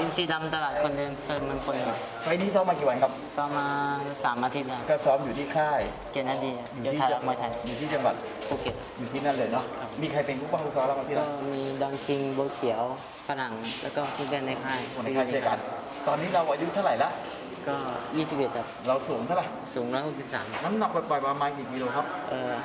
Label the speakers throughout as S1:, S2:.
S1: อินซีดำตลาดคนเดินเชิญเมืองคนครับ
S2: ไฟล์นี้ซ้อมมากี่วันครับ
S1: ก็มา3 อาทิตย์แล้ว
S2: ก็ซ้อมอยู่ที่ค่าย
S1: เกณฑ์นาดี
S2: อยู่
S1: เดี๋ยว
S2: ที่
S1: ไทยรักมวยไทย
S2: อยู่ที่จังหวัด
S1: ภูเก็ต
S2: อยู่ที่นั่นเลยเนาะมีใครเป็นผู้ป้องกันซ้อมเรามาพี่
S1: ก็
S2: นะ
S1: มีดอนคิงโบวเขียวฝรั่งแล้วก็เพื่อนในค่าย
S2: คนในค่ายช่วยกันตอนนี้เราอายุเท่าไหร่ละ
S1: ก็21ครับ
S2: เราสูงเท่าไหร่
S1: สูง163
S2: น้ำหนักปล่อยๆประมาณกี่กิโลครับ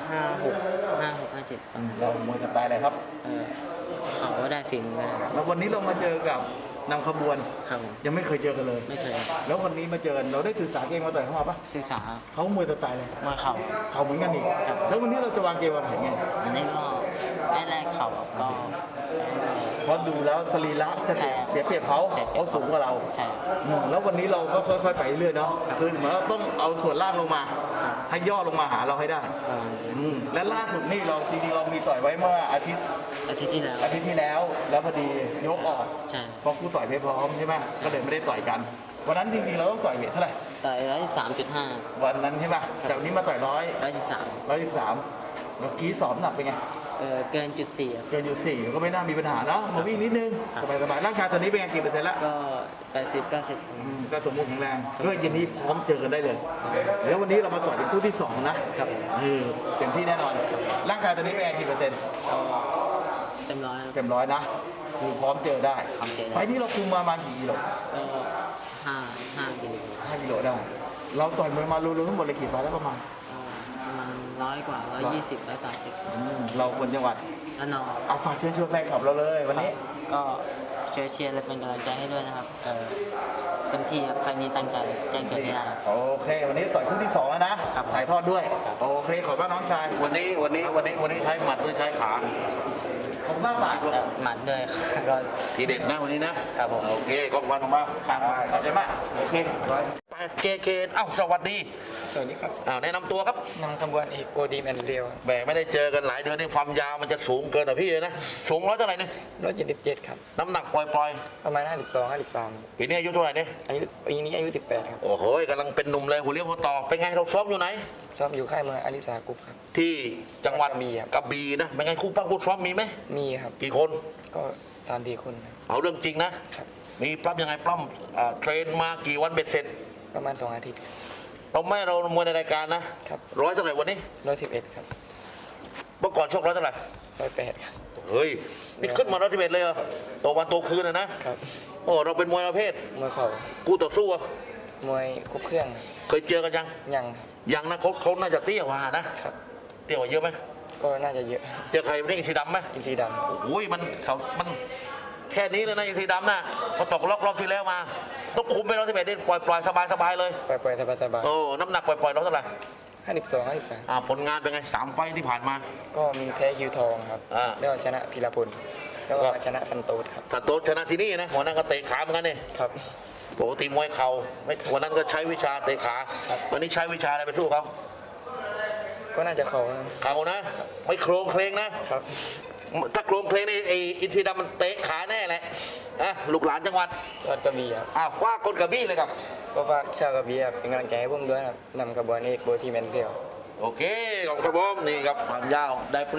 S1: 56 57
S2: เรามวยสไตล์อะไรครับ
S1: เขาก็ได้ฝีมือก็ได้
S2: แล้ววันนี้เรามาเจอกับนำขบวน
S1: ครับผม
S2: ยังไม่เคยเจอกันเลย
S1: ไม่เคย
S2: แล้ววันนี้มาเจอกันเราได้ศึกษาเกมมาต่อยเข้ามาปะ
S1: ศึกษา
S2: เขามวยสไตล์เลย
S1: มวยเข่า
S2: เขาเหมือนกันอีกแล้ววันนี้เราจะวางเกมวางแผนไง
S1: อันนี้ก็ได้แรกเข่าก็
S2: เพราะดูแล้วสรีระจะ
S1: ใช่
S2: เสียเปรียบเขา
S1: เสียเปรียบ
S2: เขาสูงกว่าเรา
S1: ใช่
S2: แล้ววันนี้เราก็ค่อยๆไปเรื่อยเนาะคือเหมือนว่าต้องเอาส่วนล่างลงมา ให้ย่อลงมาหาเราให้ได้ และล่าสุดนี่เราจริงๆเรามีต่อยไว้เมื่ออาทิตย์
S1: อาทิตย์ที่แล้ว
S2: แล้วพอดียกออก
S1: ใช่
S2: เพราะคู่ต่อยไม่พร้อมใช่ไหมก็เลยไม่ได้ต่อยกัน วันนั้นจริงๆเราต้องต่อยเวทเท่าไหร่
S1: ต่อย113.5
S2: วันนั้นใช่ป่ะแต่วันนี้มาต่อย
S1: 113
S2: 113เมื่อกี้สอบหนักเป็นไง
S1: เกินจุด4ครับ
S2: เกินอยู่4ก็ไม่น่ามีปัญหาเนาะมาวิ่งนิดนึงสบายๆร่างกายตอนนี้เป็นไงกี่เปอร์เซ็นต์ละ
S1: ก็80 90
S2: ก็สมบูรณ์แข็งแรงด้วยเย็นนี้พร้อมเจอกันได้เลย แล้ววันนี้เรามาต่อยเป็นคู่ที่2นะครับเต็มที่แน่นอน ร่างกายตอนนี้เป็นไงกี่เปอร์เซ็นต์
S1: เต็มร้อยครับ
S2: เต็มร้อยนะคือพร้อมเจอได้
S1: พร้อมเจอได้
S2: ไฟล์นี้เราคุมมาประมาณกี่กิโล
S1: ก็5 กิโล
S2: 5 กิโลได้ เราต่อยมวยมารวมๆทั้งหมดเลยกี่ไฟล์แล้วประมาณ
S1: ประมาณ100 กว่า 120 130
S2: เราคนจังหวัด
S1: แล้วนอง
S2: เอาฝากเชิญชวนแฟนคลับเราเลยวันนี้
S1: ก็เชียร์และเป็นกำลังใจให้ด้วยนะครับเต็มที่ครับไฟล์นี้ตั้งใจแจ้งเกิดให้ได้ครับ
S2: โอเค วันนี้ต่อยคู่ที่2แล้วนะครับ ถ่ายทอดด้วย โอเคขอบคุณน้องชาย
S3: วันนี้ใช้หมัดหรือใช้ขา
S2: ขอบคุณมากบาท
S1: หมัดด้วยก็
S3: ทีเด็ดนะวันนี้นะครับ
S1: ผม
S3: โอเคขอบคุณมาก
S2: ครับขอบใจมากโอเค
S3: เจเคเอ้าสวัสดี
S4: สวัสดีครับ
S3: แนะนำตัวครับ
S4: นำขบวนเอกโอดีแมนเรียว
S3: แหมไม่ได้เจอกันหลายเดือนนี่ความยาวมันจะสูงเกินอ่ะพี่เลยนะสูงร้อยเท่าไหร่เนี่ย
S4: 177ครับ
S3: น้ำหนักปล่อย
S4: ประมาณ 52 53
S3: ปีนี้อายุเท่าไหร่เนี่ย
S4: ปีนี้อายุ 18 ครับ
S3: โอ้โหกำลังเป็นหนุ่มเลยหัวเลี้ยวหัวต่อเป็นไงเราซ้อมอยู่ไหน
S4: ซ้อมอยู่ค่ายมวยอาริสากรุ๊ปครับ
S3: ที่จังหวัด
S4: กระบี่ครับ
S3: กระบี่นะเป็นไงคู่ปั้งคู่ซ้อมมีไหม
S4: มีครับ
S3: กี่คน
S4: ก็3-4 คนครับ
S3: เอาเรื่องจริงนะครับ มีปล้ำยังไงปล้ำเทรนมากี่วันเบ็ดเสร็จ
S4: ประมาณ 2 อาทิตย์
S3: เรามวยในรายการนะครับ ร้อยเท่าไหร่วันนี้
S4: 111 ครับ
S3: เมื่อก่อนชกร้อยเท่าไหร่
S4: 108 ครับ
S3: เฮ้ย นี่ขึ้นมาร้อยสิบเอ็ดเลยเหรอโตวันโตคืนนะครับ โอ้เราเป็นมวยประเภท
S4: มวยเข่า
S3: กูต่อสู้อะ
S4: มวยครบเครื่องครับ
S3: เคยเจอกันยัง
S4: ยังครับ
S3: ยังนะเขาน่าจะเตี้ยกว่านะครับ เตี้ยกว่าเยอะไหม
S4: ก็น่าจะเยอะ
S3: เจอใครไม่ได้อินทรีดำไหม
S4: อินทรีด
S3: โอ้ยมันแค่นี้เลยนะอินทรีดำนะเขาตกรอบที่แล้วมาต้องคุมไปร้อยสิบเอ็ดนี่ปล่อยสบายเลย
S4: ำปล่อยๆสบาย
S3: โอ้น้ำหนักปล่อยเราเท่าไหร่
S4: ๆ52 53
S3: ผลงานเป็นไง3 ไฟต์ที่ผ่านมา
S4: ก็มีแพ้คิวทองครับ
S3: อ่า
S4: แล้วก็ชนะพีรพลแล้วก็มาชนะซันโตสครับ
S3: สโตชนะที่นี่นะหัวหน้าก็เตะขาเหมือนกันนี่
S4: ครับ
S3: ปกติมวยเข่าไม่วันนั้นก็ใช้วิชาเตะขา
S4: ครับ
S3: วันนี้ใช้วิชาอะไรไปสู้เขา
S4: ก็น่าจะเขานะ
S3: เข่านะ ไม่โครงเคลงนะ
S4: ครับ
S3: ถ้าโครงเคลงนี่ไออินทรีดำมันเตะขาแน่แหละลูกหลานจังหวัด
S4: จังหวัดกระบี่ครับ
S3: คว้าคนกระบี่เลยครับ
S4: ก็ฝากชาวกระบี่ครับเป็นกำลังใจให้ผมด้วยนะครับนำขบวนเอกโบทีแมนเซียว
S3: โอเคขอบคุณครับผมนี่ครับความยาวได้